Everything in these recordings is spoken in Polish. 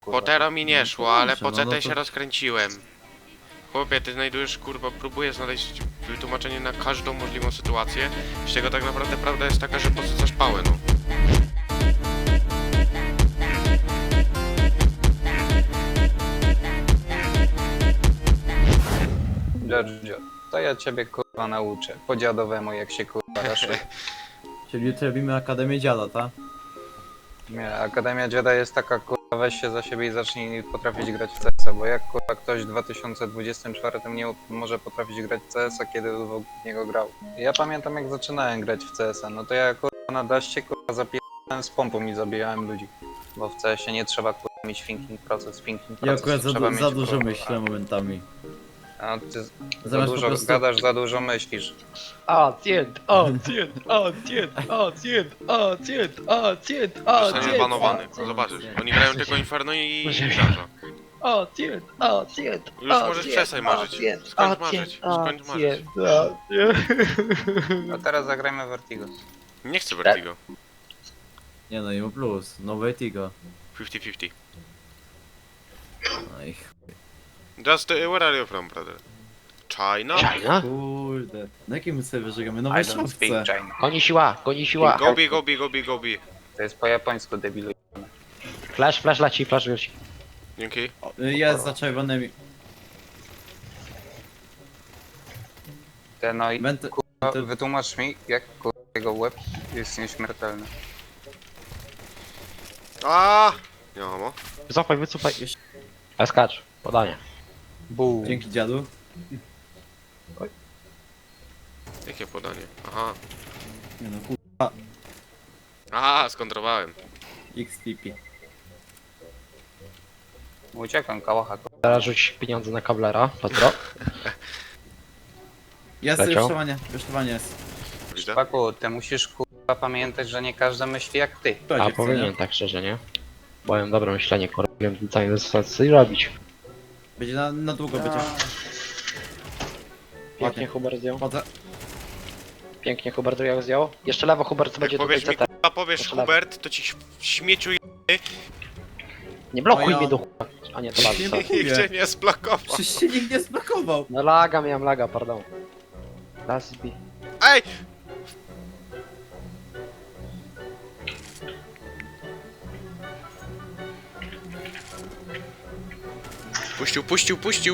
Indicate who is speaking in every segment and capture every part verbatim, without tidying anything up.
Speaker 1: kurwa.
Speaker 2: Po Tero mi nie
Speaker 3: No
Speaker 2: szło,
Speaker 3: to
Speaker 2: ale
Speaker 3: dobrze,
Speaker 2: po
Speaker 3: no,
Speaker 2: C T
Speaker 3: no to-
Speaker 2: się rozkręciłem. Chłopie, ty znajdujesz, kurwa, próbujesz znaleźć wytłumaczenie na każdą możliwą sytuację, z czego tak naprawdę prawda jest taka, że podrzucasz pałę, no.
Speaker 1: Giorgio, to ja ciebie kurwa nauczę. Po dziadowemu jak się kurwa raszuje.
Speaker 3: Czyli jutro robimy Akademię Dziada, tak?
Speaker 1: Nie, Akademia Dziada jest taka kurwa, weź się za siebie i zacznij potrafić grać w C S a, bo jak kurwa ktoś w dwa tysiące dwudziestym czwartym nie może potrafić grać w C S a, kiedy w niego grał. Ja pamiętam jak zaczynałem grać w C S a, no to ja kurwa na daście kurwa zapierdałem z pompą i zabijałem ludzi. Bo w C S ie nie trzeba kurwa mieć thinking proces, thinking
Speaker 3: Ja
Speaker 1: proces
Speaker 3: akurat za,
Speaker 1: trzeba
Speaker 3: du-
Speaker 1: mieć
Speaker 3: za dużo
Speaker 1: kurwa.
Speaker 3: myślę momentami.
Speaker 1: A ty za
Speaker 3: Zamiast po
Speaker 1: dużo
Speaker 3: prostu-
Speaker 1: gadasz, za dużo myślisz.
Speaker 4: Acjent, acjent, acjent, acjent, acjent, acjent,
Speaker 2: Zostaniesz
Speaker 4: acjent,
Speaker 2: banowany, zobaczysz. Oni grają tylko Inferno i Mirage.
Speaker 4: acjent, acjent,
Speaker 2: Już możesz przestań marzyć. Skończ marzyć, skończ marzyć.
Speaker 1: A teraz zagrajmy Vertigo.
Speaker 2: Nie chcę Vertigo.
Speaker 3: Nie no, Imo Plus, no Vertigo.
Speaker 2: pięćdziesiąt pięćdziesiąt.
Speaker 3: No i ch...
Speaker 2: Just, uh, where are you from, brother? China?
Speaker 4: China?
Speaker 3: Kurde. Na jakim serwerze gramy? No
Speaker 1: I don't speak
Speaker 3: Wojskówce.
Speaker 1: China.
Speaker 4: Goni siła, goni siła.
Speaker 2: Gobi, gobi, gobi, gobi.
Speaker 1: To jest po japońsku, debilu.
Speaker 4: Flash, flash leci, flash leci.
Speaker 2: Dzięki.
Speaker 3: Jest za czerwonymi.
Speaker 1: Te no i
Speaker 3: Menty...
Speaker 1: kurwa,
Speaker 3: te-
Speaker 1: wytłumacz mi, jak kurwa, jego łeb jest nieśmiertelny.
Speaker 2: A, nie mamo.
Speaker 4: Wycofaj, wycofaj.
Speaker 3: Jeszcze-
Speaker 4: A skacz, podanie.
Speaker 1: Buu.
Speaker 3: Dzięki dziadu.
Speaker 2: Jakie podanie? Aha.
Speaker 3: Nie no, kurwa.
Speaker 2: Aha, skontrowałem.
Speaker 3: X P P.
Speaker 1: Uciekam, kałacha.
Speaker 4: Teraz rzuć pieniądze na kablera, Petro.
Speaker 3: Jest
Speaker 4: Leciał?
Speaker 3: rusztowanie, rusztowanie jest.
Speaker 2: Widzę.
Speaker 1: Paku, ty musisz kurwa pamiętać, że nie każdy myśli jak ty.
Speaker 3: To
Speaker 4: A
Speaker 3: dziewczyny.
Speaker 4: powinien tak szczerze, nie? Bo mam dobre myślenie, kurwa, wiem co nie co robić.
Speaker 3: Będzie na, na długo będzie.
Speaker 4: Pięknie
Speaker 3: Ładnie.
Speaker 4: Hubert zdjął.
Speaker 3: Chodzę.
Speaker 4: Pięknie Hubert jak zdjął. Jeszcze lewo Hubert będzie
Speaker 2: Jak
Speaker 4: tutaj
Speaker 2: powiesz mi,
Speaker 4: C T.
Speaker 2: k***a, powiesz
Speaker 4: Proszę bardzo.
Speaker 2: Hubert, to ci ś- śmieciu je...
Speaker 4: Nie blokuj
Speaker 3: No ja-
Speaker 4: mnie do chuja. A nie, to
Speaker 3: Nie
Speaker 4: bardzo.
Speaker 3: blokuję.
Speaker 2: Nikt cię nie zblokował.
Speaker 3: Przecież się nikt nie zblokował.
Speaker 4: No laga, miałem laga, pardon. Last B.
Speaker 2: Ej! Puścił, puścił, puścił.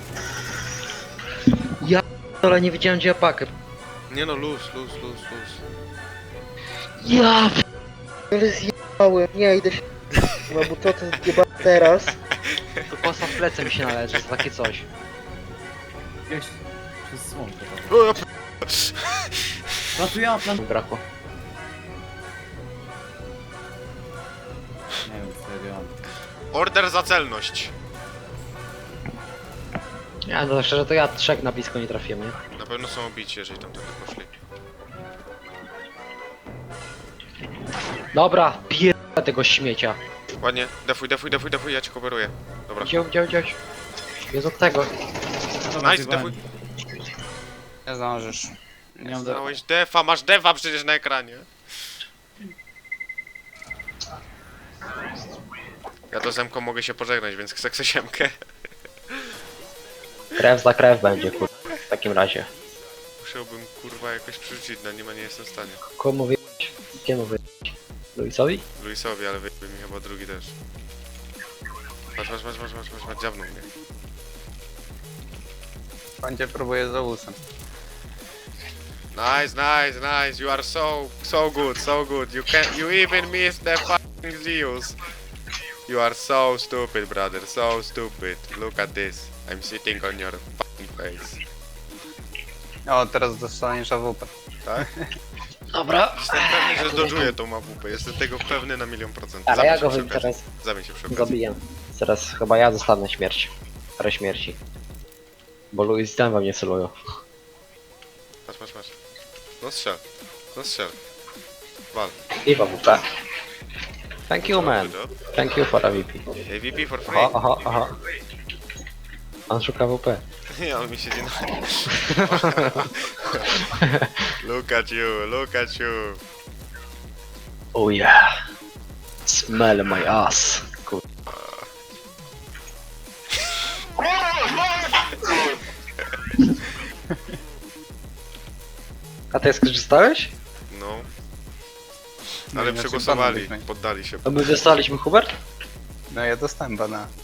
Speaker 4: Ale nie widziałem gdzie ja pakę.
Speaker 2: Nie no, luz, luz, luz, luz.
Speaker 4: Ja ale zjebałem, nie idę się. No bo to co zjebałem teraz. To kosa w plecy mi się należy, za takie coś.
Speaker 3: Gdzieś przez słonko.
Speaker 2: O, ja p-
Speaker 3: Plantuję, plan...
Speaker 4: Brakło.
Speaker 3: Nie wiem co ja mam.
Speaker 2: Order za celność.
Speaker 4: Ja no szczerze to ja trzech na blisko nie trafiłem, nie?
Speaker 2: Na pewno są obici, jeżeli tam tędy poszli.
Speaker 4: Dobra, pierdolę tego śmiecia.
Speaker 2: Ładnie, defuj, defuj, defuj, defuj, ja cię coveruję. Dobra.
Speaker 4: Gdzie, gdzie, gdzie? Jest od tego.
Speaker 3: Dobra,
Speaker 2: Nice,
Speaker 3: zjebałem.
Speaker 2: defuj.
Speaker 1: Nie zdążysz.
Speaker 3: Nie mam do...
Speaker 2: Znałeś defa, masz defa przecież na ekranie. Ja to z Emką mogę się pożegnać, więc chcę chcę siemkę.
Speaker 4: Krew za krew będzie, kurwa. W takim razie.
Speaker 2: Musiałbym kurwa jakoś przerzucić na nim, a nie jestem w stanie.
Speaker 4: Komu wy... Kiemu wy... Luisowi?
Speaker 2: Luisowi, ale wyjdzie mi chyba drugi też. Patrz, patrz, patrz, patrz, patrz, patrz, patrz, dziabnął mnie.
Speaker 1: Pan cię próbuje za usem.
Speaker 2: Nice, nice, nice, you are so, so good, so good. You can, you even missed the fucking Zeus. You are so stupid, brother, so stupid. Look at this. I'm sitting on your fucking face.
Speaker 1: O, teraz dostaniesz A W P.
Speaker 2: Tak?
Speaker 4: Dobra.
Speaker 2: Jestem pewny, że zdążuję tą A W P. Jestem tego pewny na milion procent.
Speaker 4: Ale
Speaker 2: Zamień
Speaker 4: ja
Speaker 2: się
Speaker 4: go
Speaker 2: przy
Speaker 4: wy-
Speaker 2: okazji.
Speaker 4: teraz
Speaker 2: Zamień się przy okazji.
Speaker 4: zabiję. Teraz chyba ja zostanę śmierć. Parę śmierci. Bo Luis tam we mnie celują.
Speaker 2: Patrz, patrz, patrz. No strzel. No strzel. Wal.
Speaker 4: I w A W P. Thank you man.
Speaker 2: Good job.
Speaker 4: Thank you for A V P.
Speaker 2: A V P for free.
Speaker 4: Aha, aha, aha. On szuka A W P.
Speaker 2: Nie, on mi siedzi na... Look at you, look at you.
Speaker 4: Oh yeah. Smell my ass. Kur... A ty skorzystałeś?
Speaker 2: No.
Speaker 1: No
Speaker 2: Ale
Speaker 1: inaczej
Speaker 2: przegłosowali,
Speaker 1: ban byśmy.
Speaker 2: poddali się.
Speaker 4: A my dostaliśmy, Hubert?
Speaker 1: No ja dostałem bana.